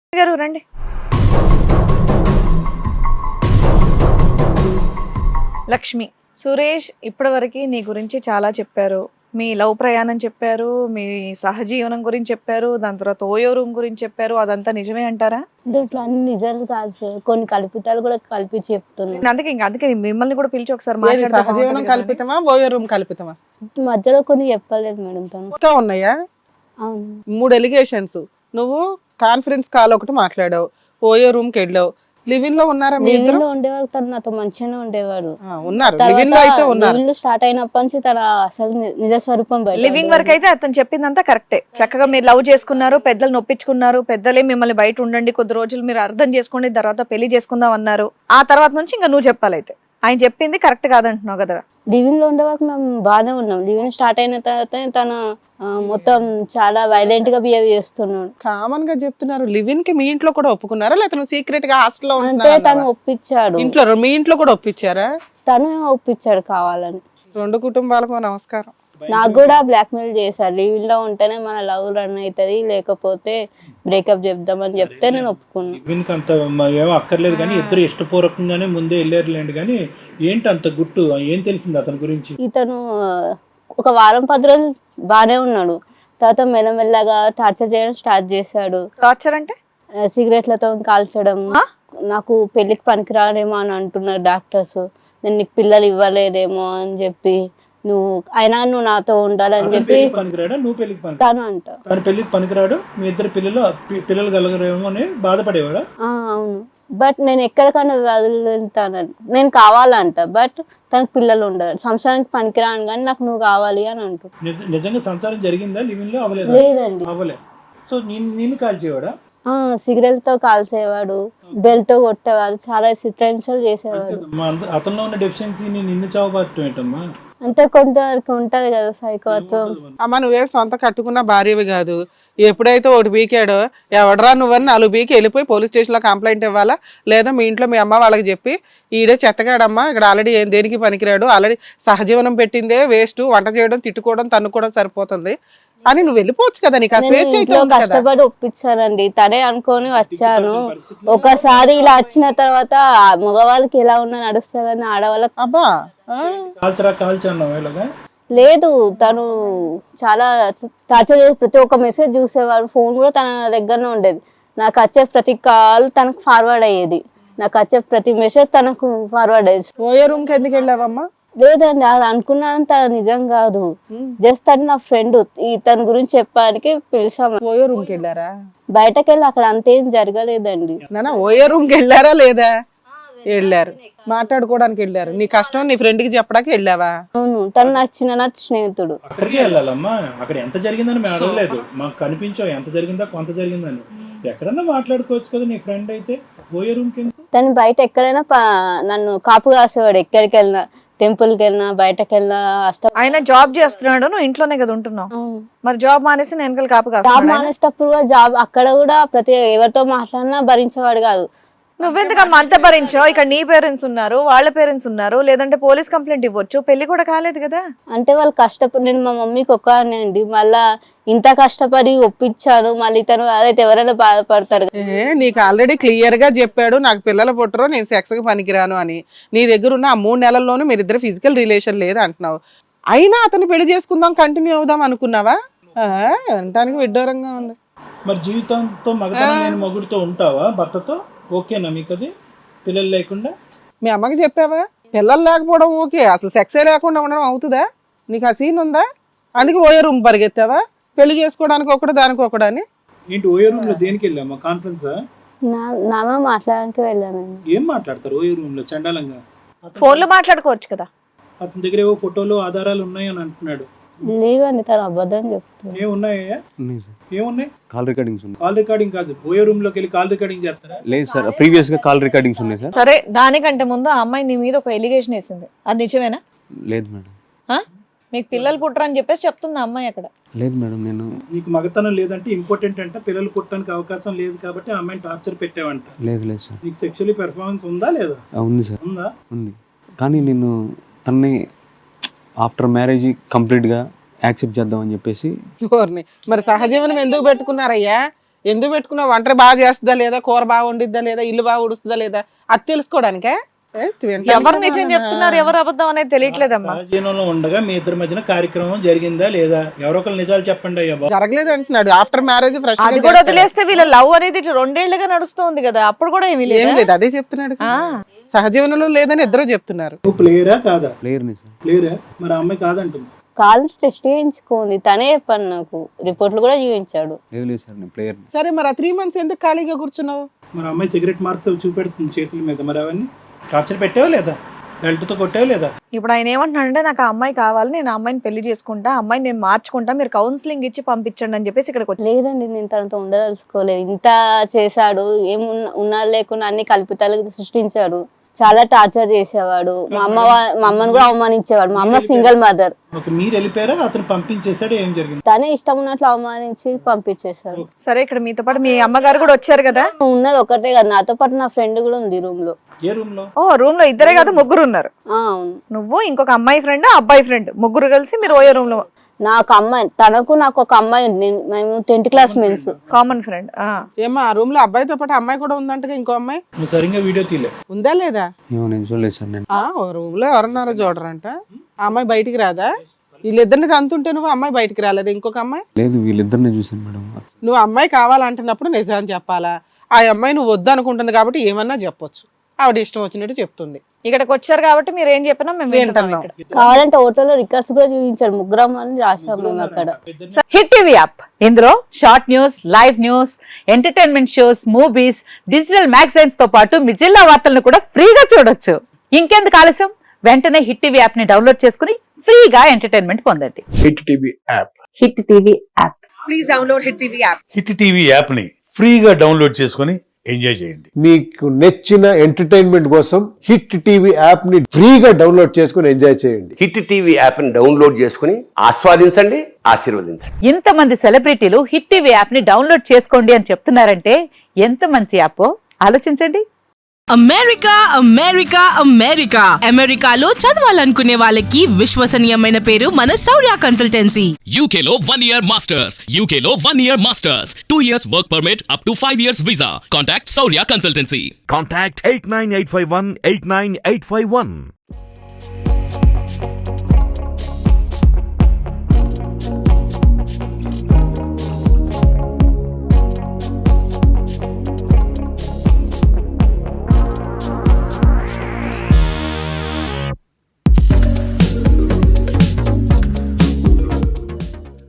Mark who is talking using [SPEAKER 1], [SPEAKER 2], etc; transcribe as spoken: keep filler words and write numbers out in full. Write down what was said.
[SPEAKER 1] గారు రండి. లక్ష్మి, సురేష్ ఇప్పటివరకు నీ గురించి చాలా చెప్పారు. మీ లవ్ ప్రయాణం చెప్పారు, మీ సహజీవనం గురించి చెప్పారు, దాని తర్వాత ఓయో రూమ్ గురించి చెప్పారు. అదంతా నిజమే అంటారా?
[SPEAKER 2] దీంట్లో అన్ని నిజాలు కాదు సార్, కొన్ని కల్పితాలు కూడా కల్పించి చెప్తున్నాను.
[SPEAKER 1] అందుకే ఇంకా అందుకే మిమ్మల్ని కూడా పిలిచి ఒకసారి
[SPEAKER 3] ఏది
[SPEAKER 1] మాట్లాడితే
[SPEAKER 3] సహజీవనం
[SPEAKER 1] బాగుంటుంది కదా అని.
[SPEAKER 3] కల్పితమా ఓయో రూమ్ కల్పితమా?
[SPEAKER 2] మధ్యలో కొన్ని చెప్పలేదు మేడం తను.
[SPEAKER 3] ఇంకా ఉన్నాయా?
[SPEAKER 2] అవును.
[SPEAKER 3] మూడు ఎలిగేషన్స్. నువ్వు కాన్ఫరెన్స్ కాల్ ఒకటి మాట్లాడావు, ఓయో రూమ్ కి వెళ్ళావు. లివిన్ లో ఉన్నారా మీ ఇద్దరు?
[SPEAKER 2] లివింగ్ లో ఉండేవాడు, తను నాతో మంచిగానే ఉండేవాడు.
[SPEAKER 3] ఆ, ఉన్నారు లివిన్ లో అయితే ఉన్నారు.
[SPEAKER 2] లివింగ్ లో స్టార్ట్ అయినప్పటి నుంచి తన అసలు ని- నిజ స్వరూపం బయట
[SPEAKER 1] లివింగ్ వరకు అయితే అతను చెప్పిందంతా కరెక్టే. చక్కగా మీరు లవ్ చేసుకున్నారు, పెద్దలు నొప్పించుకున్నారు, పెద్దలే మిమ్మల్ని బయట ఉండండి కొద్ది రోజులు మీరు అర్థం చేసుకోండి, తర్వాత పెళ్లి చేసుకుందాం అన్నారు. ఆ తర్వాత నుంచి ఇంకా నువ్వు చెప్పాలైతే ఆయన చెప్పింది కరెక్ట్ కాదంటున్నావు కదా.
[SPEAKER 2] లివింగ్ లో ఉండే వరకు మేము బాగానే ఉన్నాం. లివింగ్ స్టార్ట్ అయిన తర్వాత తను ఆ, మొత్తం చాలా వైలెంట్ గా బిహేవ్ చేస్తున్నాడు.
[SPEAKER 3] కామన్ గా చెప్తున్నారు. లివిన్ కి మీ ఇంట్లో కూడా ఒప్పుకున్నారా, లేకపోతే నువ్వు సీక్రెట్ గా హాస్టల్లో
[SPEAKER 2] అంటే తను ఒప్పించాడు.
[SPEAKER 3] ఇంట్లో మీ ఇంట్లో కూడా ఒప్పించారా?
[SPEAKER 2] తను ఒప్పించాడు కావాలని.
[SPEAKER 3] రెండు కుటుంబాలకు నమస్కారం.
[SPEAKER 2] నాకు కూడా బ్లాక్ మెయిల్ చేశారు, లివింగ్ లో ఉంటేనే మన లవ్ రన్ అవుతుంది, లేకపోతే బ్రేకప్ చెప్దామని చెప్తే నేను ఒప్పుకున్నాను.
[SPEAKER 4] లివిన్కి అంత మ- ఏమో అక్కర్లేదు కానీ ఇద్దరు ఇష్టపూర్వకంగానే ముందే వెళ్ళారులేండి. కానీ ఏంటి అంత గుట్టు, ఏం తెలిసింది అతని గురించి?
[SPEAKER 2] ఇతను ఆ, ఒక వారం పది రోజులు బాగానే ఉన్నాడు. తర్వాత మెల్లమెల్లగా టార్చర్ చేయడం స్టార్ట్ చేశాడు.
[SPEAKER 1] టార్చర్ అంటే
[SPEAKER 2] ఆ, సిగరెట్లతో కాల్చడం.
[SPEAKER 1] ఆ?
[SPEAKER 2] నాకు పెళ్లికి పనికిరాడేమో అని అంటున్నారు డాక్టర్స్. నేను నీకు పిల్లలు ఇవ్వలేదేమో అని చెప్పి, నువ్వు అయినా నువ్వు నాతో ఉండాలని
[SPEAKER 4] అతను
[SPEAKER 2] చెప్పి
[SPEAKER 4] పెళ్లికి పనికిరాడా, నువ్వు పెళ్లికి పనికి
[SPEAKER 2] తను అంట.
[SPEAKER 4] తను పెళ్లికి పనికిరాడు, మీ ఇద్దరు పిల్లలు పి- పిల్లలు కలగరేమో అని బాధపడేవాడా?
[SPEAKER 2] ఆ, అవును. బట్ నేను ఎక్కడికైనా వదులుతాను, నేను కావాలంట. బట్ తనకు పిల్లలు ఉండరు, సంసారానికి పనికిరాను కానీ నాకు నువ్వు కావాలి అని అంటు.
[SPEAKER 4] నిజ- నిజంగా సంసారం జరిగిందా లివిన్ లో? అవ్వలేదా?
[SPEAKER 2] లేదండి.
[SPEAKER 4] అవ్వలే. సో నేను నిన్ను కాల్చేవాడా?
[SPEAKER 2] ఆ సిగరెట్ తో కాల్చేవాడు, బెల్ట్ తో కొట్టేవాడు, చాలా చిత్రహింసలు చేసేవాడు.
[SPEAKER 4] మా అంద- అతనిలో ఉన్న డెఫిషియన్సీని నిన్ను చావబారటం ఏంటమ్మా?
[SPEAKER 2] అంటే కొంతవరకు ఉంటది కదా సైకోత్వం.
[SPEAKER 3] అమ్మ, నువ్వే సొంత కట్టుకున్న భార్యవి కాదు. ఎప్పుడైతే ఒకటి బీకాడో ఎవడరా నువ్వని నాలుగు బీకి వెళ్ళిపోయి పోలీస్ స్టేషన్లో కంప్లైంట్ ఇవ్వాలా, లేదా మీ ఇంట్లో మీ అమ్మ వాళ్ళకి చెప్పి ఈడే చెత్తగాడమ్మా, ఇక్కడ ఆల్రెడీ ఏం దేనికి పనికిరాడు, ఆల్రెడీ సహజీవనం పెట్టిందే వేస్ట్, వంట చేయడం తిట్టుకోవడం తన్నుకోవడం సరిపోతుంది అని నువ్వు వెళ్ళిపోవచ్చు కదా. నీకు ఆ
[SPEAKER 2] నేను
[SPEAKER 3] స్వేచ్ఛ అయితే
[SPEAKER 2] ఇంట్లో
[SPEAKER 3] ఉంది కదా.
[SPEAKER 2] కష్టపడి ఒప్పించానండి, తనే అనుకొని వచ్చాను. ఒకసారి ఇలా వచ్చిన తర్వాత ఆ మగవాళ్ళకి ఎలా ఉన్నా నడుస్తా కానీ ఆడవాళ్ళకి
[SPEAKER 3] అబ్బా ఆ?
[SPEAKER 4] కాల్చరా కాల్చన్నావు ఇలాగా?
[SPEAKER 2] లేదు. తను చాలా టార్చర్ చేసి ప్రతి ఒక్క మెసేజ్ చూసేవాడు. ఫోన్ కూడా తన దగ్గరనే ఉండేది. నాకు వచ్చే ప్రతి కాల్ తనకు ఫార్వర్డ్ అయ్యేది, నాకు వచ్చే ప్రతి మెసేజ్ తనకు ఫార్వర్డ్ అయ్యేది.
[SPEAKER 3] ఓయో రూమ్ కి ఎందుకు వెళ్ళావమ్మా?
[SPEAKER 2] లేదండి, అది అనుకున్నంత నిజం కాదు. జస్ట్ తను నా ఫ్రెండ్, ఇతని గురించి చెప్పడానికి పిలిచాము.
[SPEAKER 3] ఓయో రూమ్ కి వెళ్ళారా?
[SPEAKER 2] బయటకు వెళ్ళి అక్కడ అంతేం జరగలేదండి.
[SPEAKER 3] నాన్న ఓయో రూమ్ కి వెళ్ళారా లేదా? వెళ్ళారు, మాట్లాడుకోవడానికి వెళ్ళారు. నీ కష్టం నీ ఫ్రెండ్ కి చెప్పడానికి వెళ్ళావా?
[SPEAKER 2] అవును, తను నాకు చిన్ననాటి స్నేహితుడు.
[SPEAKER 4] అక్కడికే వెళ్ళాలమ్మా. అక్కడ ఎంత జరిగిందని మేము అడగలేదు, మాకు కనిపించావు ఎంత జరిగిందా కొంత జరిగిందని. ఎక్కడన్నా మాట్లాడుకోవచ్చు కదా, నీ ఫ్రెండ్ అయితే ఓయో రూమ్ కి ఎందుకు?
[SPEAKER 2] తను బయట ఎక్కడైనా ప- నన్ను కాపు కాసేవాడు. ఎక్కడికి వెళ్ళినా, టెంపుల్ కి వెళ్ళినా, బయటకు వెళ్ళినా అస్త
[SPEAKER 1] ఆయన జాబ్ చేస్తున్నాడు, నువ్వు ఇంట్లోనే కదా ఉంటున్నావు. మరి జాబ్ మానేసి నేను వెనకాల కాపు
[SPEAKER 2] జాబ్
[SPEAKER 1] కాస్తున్నాడు ఆయన.
[SPEAKER 2] మానేటప్పుడు కూడా జాబ్ అక్కడ కూడా ప్రతి ఎవరితో మాట్లాడినా భరించేవాడు కాదు.
[SPEAKER 1] నువ్వెందుకమ్మా అంత భరించావు? ఇక్కడ నీ పేరెంట్స్ ఉన్నారు, వాళ్ళ పేరెంట్స్ ఉన్నారు, లేదంటే పోలీస్ కంప్లైంట్ ఇవ్వచ్చు. పెళ్లి కూడా కాలేదు కదా.
[SPEAKER 2] అంటే వాళ్ళు కష్టపడి, నేను మా మమ్మీకి ఒక్కనే అండి, మళ్ళా ఇంత కష్టపడి ఒప్పించాను, మళ్ళీ తను అదైతే ఎవరైనా బాధపడతారు కదా.
[SPEAKER 3] ఏ నీకు ఆల్రెడీ క్లియర్ గా చెప్పాడు, నాకు పిల్లలు పుట్టరు, నేను సెక్స్ కి పనికిరాను అని. నీ దగ్గర ఉన్న ఆ మూడు నెలల్లోనూ మీరిద్దరు ఫిజికల్ రిలేషన్ లేదు అంటున్నావు. అయినా అతను పెళ్లి చేసుకుందాం, కంటిన్యూ అవుదాం అనుకున్నావా? ఆ, వినటానికి విడ్డూరంగా ఉంది.
[SPEAKER 4] మరి జీవితంతో మగతనం లేని మొగుడితో ఉంటావా భర్తతో? ఓకేనా మీకు అది, పిల్లలు లేకుండా?
[SPEAKER 3] మీ అమ్మకి చెప్పావా? పిల్లలు లేకపోవడం ఓకే, అసలు సెక్సే లేకుండా ఉండడం అవుతుందా? నీకు ఆ సీన్ ఉందా? అందుకే ఓయో రూమ్ పరిగెత్తావా? పెళ్లి చేసుకోవడానికి ఒకటి దానికి ఒకటి అని.
[SPEAKER 4] ఏంటి ఓయో రూమ్ లో దేనికి వెళ్ళామా? కాన్ఫరెన్సా?
[SPEAKER 2] నా నాన్న మాట్లాడడానికి వెళ్ళానండి.
[SPEAKER 4] ఏం మాట్లాడతారు ఓయో రూమ్ లో చండాలంగా?
[SPEAKER 1] ఫోన్ లో మాట్లాడుకోవచ్చు కదా.
[SPEAKER 4] అతని దగ్గర ఏవో ఫోటోలు ఆధారాలు ఉన్నాయి అని అంటున్నాడు.
[SPEAKER 2] లేవండి, తను అబద్ధం చెప్తుంది.
[SPEAKER 4] ఏమున్నాయా?
[SPEAKER 5] ఉన్నాయి సార్,
[SPEAKER 4] ఏమున్నాయి?
[SPEAKER 5] కాల్ రికార్డింగ్స్ ఉన్నాయి.
[SPEAKER 4] కాల్ రికార్డింగ్ కాదు, ఓయో రూమ్ లోకి వెళ్ళి కాల్ రికార్డింగ్ చేస్తారా?
[SPEAKER 5] లేదు సార్, ప్రీవియస్ గా కాల్ రికార్డింగ్స్ ఉన్నాయి సార్.
[SPEAKER 1] సరే, దానికంటే ముందు ఆ అమ్మాయి నీ మీద ఒక ఎలిగేషన్ వేసింది, అది నిజమేనా?
[SPEAKER 5] లేదు మేడం.
[SPEAKER 1] ఆ? మీకు పిల్లలు పుట్టరని చెప్పేసి చెప్తుంది ఆ అమ్మాయి అక్కడ.
[SPEAKER 5] లేదు మేడం, నేను
[SPEAKER 4] నీకు మగతనం లేదంటే ఇంపార్టెంట్ అంటే పిల్లలు పుట్టడానికి అవకాశం లేదు కాబట్టి ఆ అమ్మాయిని టార్చర్ పెట్టావంట.
[SPEAKER 5] లేదు లేదు సార్.
[SPEAKER 4] నీకు సెక్షువల్లీ పెర్ఫార్మెన్స్ ఉందా లేదా?
[SPEAKER 5] ఆ, ఉంది సార్,
[SPEAKER 4] ఉందా?
[SPEAKER 5] ఉంది. కానీ నేను తన్ని ఆఫ్టర్ మ్యారేజ్ కంప్లీట్గా యాక్సెప్ట్ చేద్దామని చెప్పేసి.
[SPEAKER 3] ఓర్ని, మరి సహజీవనం ఎందుకు పెట్టుకున్నారయ్యా? ఎందుకు పెట్టుకున్నావు? వంట బాగా చేస్తుందా లేదా, కూర బాగా వండిద్దా లేదా, ఇల్లు బాగా ఉడుస్తుందా లేదా, అది తెలుసుకోవడానికే. ఏ, వింటాను
[SPEAKER 1] ఎవరు
[SPEAKER 3] కదా
[SPEAKER 1] నిజం
[SPEAKER 3] నాన్న.
[SPEAKER 1] చెప్తున్నారు ఎవరు అబద్ధం అనేది తెలియట్లేదమ్మా.
[SPEAKER 4] సహజీవనంలో ఉండగా మీ ఇద్దరి మధ్యన కార్యక్రమం జరిగిందా లేదా? ఎవరో ఒకరు నిజాలు చెప్పండి అయ్యా బాబు.
[SPEAKER 3] జరగలేదు అంటున్నాడు. ఆఫ్టర్ మ్యారేజ్ ఫ్రెష్
[SPEAKER 1] అది కూడా వదిలేస్తే వీళ్ళ లవ్ అనేది ఇటు రెండేళ్లుగా నడుస్తుంది కదా, అప్పుడు కూడా ఏమీ
[SPEAKER 3] ఏం
[SPEAKER 1] లేదు.
[SPEAKER 3] లేదు, అదే చెప్తున్నాడు.
[SPEAKER 1] ఆ.
[SPEAKER 3] సహజీవనంలో లేదని ఇద్దరు చెప్తున్నారు.
[SPEAKER 4] నువ్వు ప్లేయరా కాదా?
[SPEAKER 5] ప్లేయర్ని సార్.
[SPEAKER 4] ప్లేయరా? మరి ఆ అమ్మాయి కాదంటుంది.
[SPEAKER 2] కాలేజ్ టెస్ట్ చేయించుకోండి, తనే చెప్పాను నాకు, రిపోర్ట్లు కూడా చూపించాడు.
[SPEAKER 5] లేదు లేదు సార్, నేను ప్లేయర్ని.
[SPEAKER 3] సరే మరి ఆ త్రీ మంత్స్ ఎందుకు ఖాళీగా కూర్చున్నావు?
[SPEAKER 4] మరి ఆ అమ్మాయి సిగరెట్ మార్క్స్ అవి చూపెడుతుంది చేతుల మీద, మరి అవన్నీ టార్చర్ పెట్టావా లేదా? బెల్ట్తో కొట్టావా లేదా?
[SPEAKER 1] ఇప్పుడు ఆయన ఏమంటున్నాడంటే నాకు ఆ అమ్మాయి కావాలి, నేను ఆ అమ్మాయిని పెళ్లి చేసుకుంటా, ఆ అమ్మాయిని నేను మార్చుకుంటా, మీరు కౌన్సిలింగ్ ఇచ్చి పంపించండి అని చెప్పేసి ఇక్కడికి వచ్చి.
[SPEAKER 2] లేదండి, నేను తనతో ఉండదలుచుకోలేదు. ఇంత చేశాడు, ఏం ఉన్న- ఉన్నా లేకున్నా అన్ని కల్పితాలు సృష్టించాడు, చాలా టార్చర్ చేసేవాడు. మా అమ్మ వా- మా అమ్మని కూడా అవమానించేవాడు. మా అమ్మ సింగిల్ మదర్.
[SPEAKER 4] ఒక మీరు వెళ్ళిపోయారా, అతను పంపించేశాడు, ఏం జరిగింది?
[SPEAKER 2] తనే ఇష్టం ఉన్నట్లు అవమానించి పంపించేశాడు.
[SPEAKER 1] సరే ఇక్కడ మీతో పాటు మీ అమ్మగారు కూడా వచ్చారు కదా.
[SPEAKER 2] ఉన్నది ఒకటే కదా, నాతో పాటు నా ఫ్రెండ్ కూడా ఉంది రూమ్ లో.
[SPEAKER 4] ఏ రూమ్ లో?
[SPEAKER 1] ఓ రూమ్ లో ఇద్దరే కాదు ముగ్గురు ఉన్నారు.
[SPEAKER 2] ఆ, అవును.
[SPEAKER 1] నువ్వు ఇంకొక అమ్మాయి ఫ్రెండ్ అబ్బాయి ఫ్రెండ్ ముగ్గురు కలిసి మీరు ఓయో రూమ్ లో.
[SPEAKER 2] నాకు అమ్మాయి, తనకు నాకు ఒక అమ్మాయి ఉంది. నేను- మేము టెన్త్ క్లాస్ మెన్స్.
[SPEAKER 1] Common friend.
[SPEAKER 3] ఏమా ఆ రూమ్ లో అబ్బాయితో పాటు అమ్మాయి కూడా ఉందంటగా, ఇంకో అమ్మాయి
[SPEAKER 4] నువ్వు సరిగ్గా వీడియో తీలే.
[SPEAKER 3] ఉందా లేదా?
[SPEAKER 5] ఏమో నేను చూడలేదు సార్. నేను
[SPEAKER 3] ఆ రూమ్ లో ఎవరన్నారో చూడరంట. ఆ అమ్మాయి బయటికి రాదా? వీళ్ళిద్దరిని తంతుంటే నువ్వు అమ్మాయి బయటికి రాలేదు, ఇంకొక అమ్మాయి.
[SPEAKER 5] లేదు, వీళ్ళిద్దరిని చూసాను మేడం.
[SPEAKER 3] నువ్వు అమ్మాయి కావాలంటున్నప్పుడు నిజాన్ని చెప్పాలా? ఆ అమ్మాయి నువ్వు వద్దు అనుకుంటుంది కాబట్టి ఏమన్నా చెప్పొచ్చు. ఆవిడ ఇష్టం వచ్చినట్టు చెప్తుంది.
[SPEAKER 1] ఇక్కడికి వచ్చారు కాబట్టి మీరు ఏం చెప్పినా మేము వింటున్నాం
[SPEAKER 3] వింటున్నాం.
[SPEAKER 1] ఇక్కడ.
[SPEAKER 2] కావాలంటే హోటల్లో రికార్డ్స్ కూడా చూపించాడు. ముగ్గురం అని రాసాం మేము అక్కడ.
[SPEAKER 6] హిట్ టీవీ యాప్ ఇందులో short news, live news, entertainment shows, movies, digital magazines తో పాటు మీ జిల్లా వార్తలను కూడా ఫ్రీగా చూడొచ్చు. ఇంకెందుకు ఆలస్యం, వెంటనే హిట్ టీవీ యాప్ ని డౌన్లోడ్ చేసుకుని ఫ్రీగా ఎంటర్టైన్మెంట్ పొందండి.
[SPEAKER 7] Hit TV app.
[SPEAKER 6] Hit TV app.
[SPEAKER 8] Hit TV యాప్ని ఫ్రీగా డౌన్లోడ్ చేసుకొని ఎంజాయ్ చేయండి.
[SPEAKER 7] మీకు నచ్చిన ఎంటర్టైన్మెంట్ కోసం హిట్ టీవీ యాప్ ని ఫ్రీగా డౌన్లోడ్ చేసుకుని ఎంజాయ్ చేయండి.
[SPEAKER 9] హిట్ టీవీ యాప్ని డౌన్లోడ్ చేసుకుని ఆస్వాదించండి, ఆశీర్వదించండి.
[SPEAKER 6] ఇంతమంది సెలబ్రిటీలు హిట్ టీవీ యాప్ ని డౌన్లోడ్ చేసుకోండి అని చెప్తున్నారంటే ఎంత మంచి యాప్ ఆలోచించండి.
[SPEAKER 10] అమెరికా అమెరికా అమెరికా అమెరికాలో చదవాలనుకునే వాళ్ళకి విశ్వసనీయమైన పేరు మన శౌర్య కన్సల్టెన్సీ.
[SPEAKER 11] యూకేలో వన్ ఇయర్ మాస్టర్స్, యూకేలో one year masters, two years work permit up to five years visa. Contact Shaurya consultancy.
[SPEAKER 12] Contact eight nine eight five one eight nine eight five one.